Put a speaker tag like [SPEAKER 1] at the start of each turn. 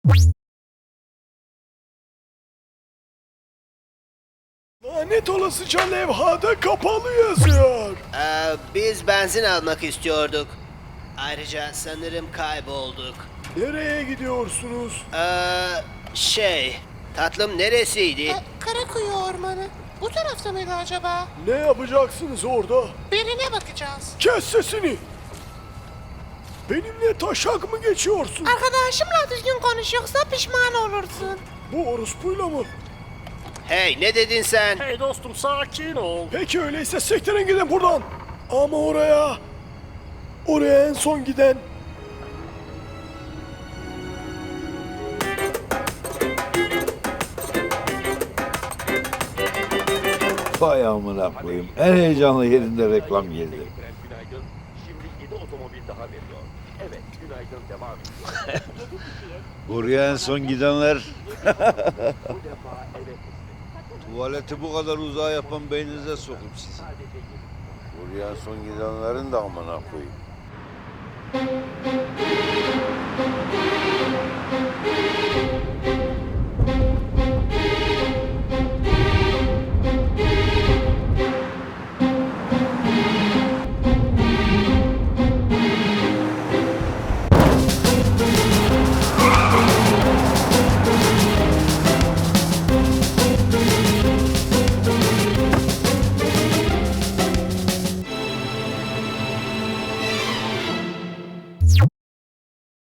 [SPEAKER 1] Lanet olasıca levhada kapalı yazıyor.
[SPEAKER 2] Biz benzin almak istiyorduk. Ayrıca sanırım kaybolduk.
[SPEAKER 1] Nereye gidiyorsunuz?
[SPEAKER 2] Tatlım neresiydi?
[SPEAKER 3] Karakuyu Ormanı. Bu tarafta mıydı acaba?
[SPEAKER 1] Ne yapacaksınız orada?
[SPEAKER 3] Birine bakacağız.
[SPEAKER 1] Kes sesini. Benimle taşak mı geçiyorsun?
[SPEAKER 3] Arkadaşımla düzgün konuş yoksa pişman olursun.
[SPEAKER 1] Bu orospuyla mı?
[SPEAKER 2] Hey, ne dedin sen?
[SPEAKER 4] Hey dostum sakin ol.
[SPEAKER 1] Peki öyleyse sektirin gidin buradan. Ama oraya... Oraya en son giden...
[SPEAKER 5] Vay amına koyayım. En heyecanlı yerinde reklam geldi.
[SPEAKER 6] Günaydın. Şimdi 7 otomobil daha veriyor. Evet, günaydın devam ediyor.
[SPEAKER 5] Buraya en son gidenler
[SPEAKER 6] Bu defa evet.
[SPEAKER 5] tuvaleti bu kadar uzağa yapan beyninize sokup sizi. Buraya en son gidenlerin de amına koyayım.